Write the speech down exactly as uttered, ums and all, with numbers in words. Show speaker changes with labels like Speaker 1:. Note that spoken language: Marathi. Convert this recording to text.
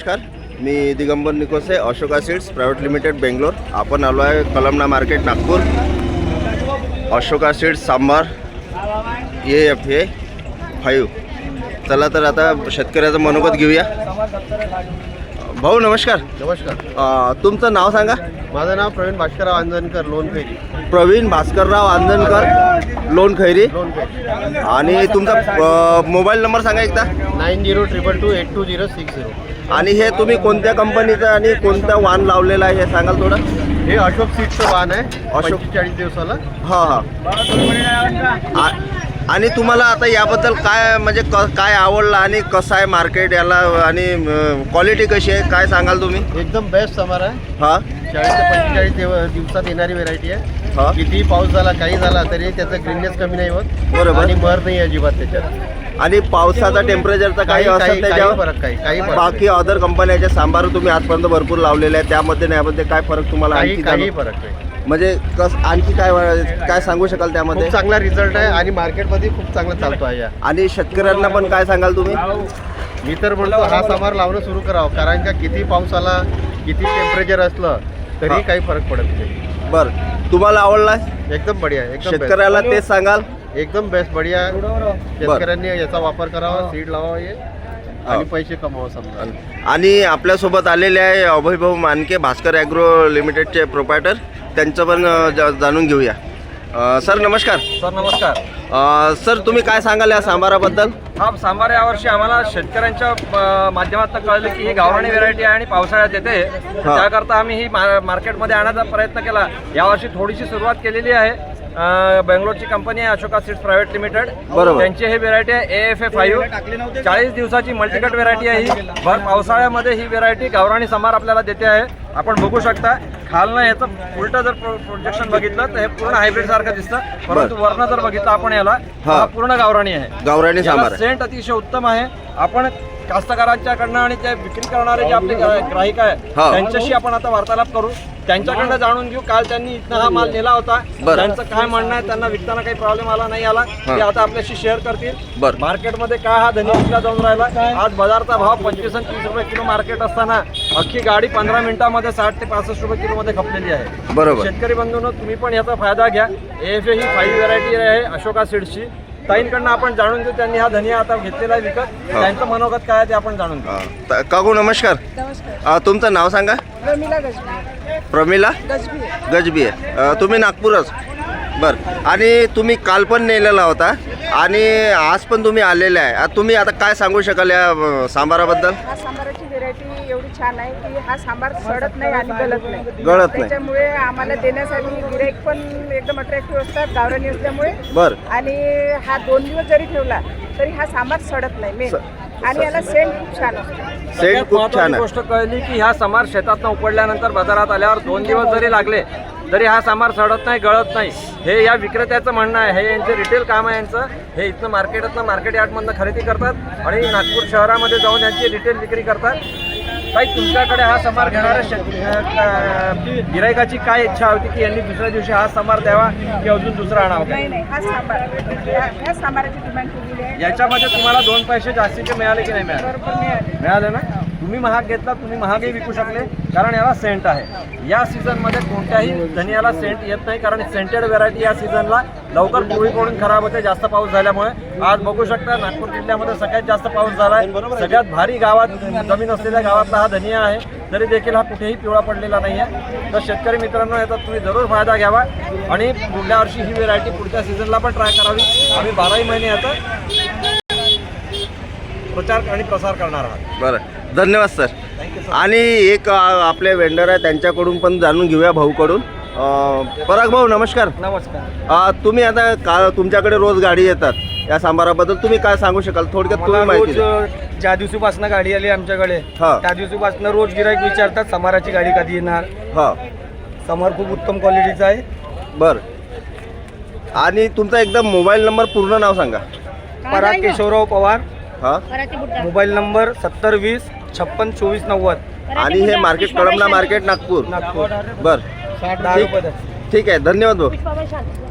Speaker 1: नमस्कार, मी Digambar Nikose, Ashoka seeds private limited Bangalore. आपण आलो आहे Kalamna market Nagpur. Ashoka seeds Sambar A F A five. चला तर आता शेतकऱ्याचं मनोगत घेऊया. भाऊ नमस्कार.
Speaker 2: नमस्कार.
Speaker 1: तुमचं नाव सांगा.
Speaker 2: माझं नाव प्रवीण भास्करराव आंजणकर, लोन खैरी.
Speaker 1: प्रवीण भास्करराव आंजणकर, लोन खैरी.
Speaker 2: लोन खैरी.
Speaker 1: आणि तुमचा मोबाईल नंबर सांगा एकदा.
Speaker 2: Nine zero triple two eight two zero six zero.
Speaker 1: आणि हे तुम्ही कोणत्या कंपनीचं आणि कोणता वाण लावलेला आहे हे सांगाल थोडं.
Speaker 2: हे अशोक सीडचं वाहन आहे,
Speaker 1: अशोक.
Speaker 2: पंचेचाळीस दिवसाला.
Speaker 1: हां हां. आणि तुम्हाला आता याबद्दल काय म्हणजे क काय आवडलं आणि कसं आहे मार्केट याला आणि क्वालिटी कशी आहे काय सांगाल तुम्ही.
Speaker 2: एकदम बेस्ट समर आहे.
Speaker 1: हां.
Speaker 2: चाळीस ते पंचेचाळीस दिव- दिवसात येणारी व्हेरायटी आहे.
Speaker 1: हां.
Speaker 2: कितीही पाऊस झाला काही झाला तरी त्याचं ग्रीननेस कमी नाही होत.
Speaker 1: बरोबर.
Speaker 2: आणि मर नाही अजिबात त्याच्यात.
Speaker 1: आणि पावसाचा टेम्परेचरचा काही
Speaker 2: काही-
Speaker 1: असं
Speaker 2: काही-
Speaker 1: त्याच्यावर
Speaker 2: काही फरक काही काही फरक
Speaker 1: बाकी अदर कंपन्याच्या सांबार तुम्ही आजपर्यंत भरपूर लावलेले आहे त्यामध्ये नाही यामध्ये काय फरक तुम्हाला
Speaker 2: काही
Speaker 1: आणखी
Speaker 2: काही
Speaker 1: जाणव-
Speaker 2: फरक नाही.
Speaker 1: म्हणजे कस आणखी काय काय सांगू शकाल त्यामध्ये.
Speaker 2: खूप चांगला रिझल्ट आहे आणि मार्केटमध्ये खूप चांगला चालतो आहे या.
Speaker 1: आणि शेतकऱ्यांना पण काय सांगाल तुम्ही.
Speaker 2: मी तर म्हणतो हा समार लावणं सुरू करावं, कारण का किती पाऊस आला किती टेम्परेचर असलं तरी
Speaker 1: हा.
Speaker 2: काही फरक पडत नाही.
Speaker 1: बरं तुम्हाला आवडला
Speaker 2: एकदम बढिया, एकदम
Speaker 1: शेतकऱ्याला तेच सांगाल.
Speaker 2: best. एकदम बेस्ट बढिया. शेतकऱ्यांनी याचा वापर करावा, सीड लावावा हे आणि पैसे कमवावं समजा.
Speaker 1: आणि आपल्यासोबत आलेले आहे अभयभाऊ मानके, भास्कर ॲग्रो लिमिटेडचे प्रोप्रायटर. त्यांचं पण ज- जाणून घेऊया. अ, सर नमस्कार.
Speaker 3: सर नमस्कार.
Speaker 1: अ, सर तुम्ही काय सांगाल या सांबाराबद्दल.
Speaker 3: हा सांबार यावर्षी आम्हाला शेतकऱ्यांच्या अ, माध्यमातून कळलं की ही गावराणी व्हेरायटी आहे आणि पावसाळ्यात येते.
Speaker 1: हा.
Speaker 3: त्याकरता आम्ही ही मा मार्केटमध्ये आणण्याचा प्रयत्न केला. यावर्षी थोडीशी सुरुवात केलेली आहे. अ, बेंगलोरची कंपनी आहे अशोका सीड्स प्रायव्हेट लिमिटेड.
Speaker 1: बरोबर.
Speaker 3: त्यांची ही व्हेरायटी आहे ए एफ ए फाईव्ह. चाळीस दिवसाची मल्टीकट व्हेरायटी आहे ही. भर पावसाळ्यामध्ये ही व्हेरायटी गावराणी सांबार आपल्याला देते आहे. आपण बघू शकता खालनं याचं उलटं जर प्रोजेक्शन बघितलं तर हे पूर्ण हायब्रिड सारखं दिसतं, परंतु वरनं जर बघितलं आपण याला
Speaker 1: हा.
Speaker 3: हा पूर्ण गावराणी आहे.
Speaker 1: गावराणी सांबार आहे.
Speaker 3: सेंट अतिशय उत्तम आहे. आपण कास्तकारांच्याकडनं आणि ते विक्री करणारे जे आपले ग्राहक आहे
Speaker 1: हा.
Speaker 3: त्यांच्याशी आपण आता वार्तालाप करू, त्यांच्याकडनं जाणून घेऊ. काल त्यांनी इथनं हा माल नेला होता,
Speaker 1: बरं.
Speaker 3: त्यांचं काय म्हणणं आहे, त्यांना विकताना काही प्रॉब्लेम आला नाही आला ते आता आपल्याशी शेअर करतील.
Speaker 1: बरं.
Speaker 3: मार्केटमध्ये काय हा धनी विकला जाऊन राहिला. आज बाजारचा भाव पंचवीस आणि तीस रुपये किलो मार्केट असताना अख्खी गाडी पंधरा मिनिटामध्ये साठ ते पासष्ट रुपये किलो मध्ये खपलेली आहे.
Speaker 1: बरोबर.
Speaker 3: शेतकरी बंधूंनो तुम्ही पण याचा फायदा घ्या. ए एफ ए ही फाईव्ह व्हेरायटी आहे अशोका सीड्सची. ताईंकडनं आपण जाणून घेऊ त्यांनी हा धनिया आता घेतलेला आहे विकत. त्यांचं मनोगत काय आहे ते आपण जाणून घेऊ.
Speaker 1: अ, त- काकू नमस्कार.
Speaker 4: नमस्कार.
Speaker 1: अ, तुमचं नाव सांगा.
Speaker 4: प्रमिला गजबी.
Speaker 1: प्रमिला
Speaker 4: गजबी.
Speaker 1: गजबी आहे. अ, तुम्ही नागपूरच. बरं. आणि तुम्ही काल पण नेलेला होता आणि आज पण तुम्ही आलेले आहे. आता तुम्ही आता काय सांगू शकाल या अ, सांबाराबद्दल.
Speaker 4: हा सांबाराची व्हेरायटी एवढी छान आहे की हा सांबार सडत नाही आणि गलत नाही.
Speaker 1: गळत नाही.
Speaker 4: त्याच्यामुळे आम्हाला देण्यासाठी गिराईक पण एकदम अट्रॅक्टिव्ह असतात गावरानी असल्यामुळे.
Speaker 1: बरं.
Speaker 4: आणि हा दोन दिवस जरी ठेवला तरी हा सांबार सडत नाही मेन. आणि याला सेंट खूप छान असतो.
Speaker 1: सेट
Speaker 3: सगळ्यात
Speaker 1: खूप
Speaker 3: महत्त्वाची
Speaker 1: छान आहे.
Speaker 3: गोष्ट कळली की ह्या समार शेतातनं उपडल्यानंतर बाजारात आल्यावर दोन दिवस जरी लागले तरी हा समार सडत नाही, गळत नाही. हे या विक्रेत्याचं म्हणणं आहे. हे यांचे रिटेल काम आहे यांचं. हे इथनं मार्केटातनं मार्केट यार्डमधनं खरेदी करतात आणि नागपूर शहरामध्ये जाऊन यांची रिटेल विक्री करतात. काही तुमच्याकडे हा समार घेणाऱ्या शेत गिरायकाची काय इच्छा होती की यांनी दुसऱ्या दिवशी हा समार द्यावा की अजून दुसरा आणावा.
Speaker 4: नाही नाही हा सांबार ह्या ह्या सांबाराची डिमांड केलेली आहे.
Speaker 3: याच्यामध्ये तुम्हाला दोन पैसे जास्तीचे मिळाले की नाही मिळाले.
Speaker 4: बरोबर मिळाली.
Speaker 3: मिळाले ना. तुम्ही महाग घेतला, तुम्ही महागही विकू शकले कारण याला सेंट आहे. या सीझनमध्ये कोणत्याही धनियाला सेंट येत नाही कारण सेंटेड व्हेरायटी या सीझनला लवकर पिवळी पडून खराब होते जास्त पाऊस झाल्यामुळे. आज बघू शकता नागपूर जिल्ह्यामध्ये सगळ्यात जास्त पाऊस झाला आहे. सगळ्यात भारी गावात जमीन असलेल्या गावातला हा धनिया आहे, तरी देखील हा कुठेही पिवळा पडलेला नाही आहे. तर शेतकरी मित्रांनो याचा तुम्ही जरूर फायदा घ्यावा आणि पुढल्या वर्षी ही व्हेरायटी पुढच्या सीझनला पण ट्राय करावी. आम्ही बाराही महिने याचा प्रचार आणि प्रसार करणार आहात.
Speaker 1: बरं. धन्यवाद सर. आणि एक अ, आपले वेंडर आहे त्यांच्याकडून पण जाणून घेऊया भाऊकडून. अ, पराग भाऊ नमस्कार.
Speaker 3: नमस्कार.
Speaker 1: अ, तुम्ही आता का तुमच्याकडे रोज गाडी येतात या सांबाराबद्दल तुम्ही काय सांगू शकाल थोडक्यात तुम्ही माहिती द्या.
Speaker 5: ज्या दिवशीपासून गाडी आली आमच्याकडे
Speaker 1: हा.
Speaker 5: त्या दिवशीपासून रोज गिराईक विचारतात समाराची गाडी कधी येणार.
Speaker 1: हां.
Speaker 5: समार खूप उत्तम क्वालिटीचा आहे.
Speaker 1: बरं. आणि तुमचा एकदम मोबाईल नंबर पूर्ण नाव सांगा.
Speaker 5: पराग केशवराव पवार.
Speaker 1: हां.
Speaker 5: मोबाईल नंबर सत्तर वीस छप्पन चोवीस नव्वद.
Speaker 1: आणि हे मार्केट कळमना मार्केट नागपूर.
Speaker 5: नागपूर.
Speaker 1: बरं.
Speaker 5: दहा
Speaker 1: ठीक
Speaker 5: रुपये.
Speaker 1: ठीक आहे. धन्यवाद भाऊ.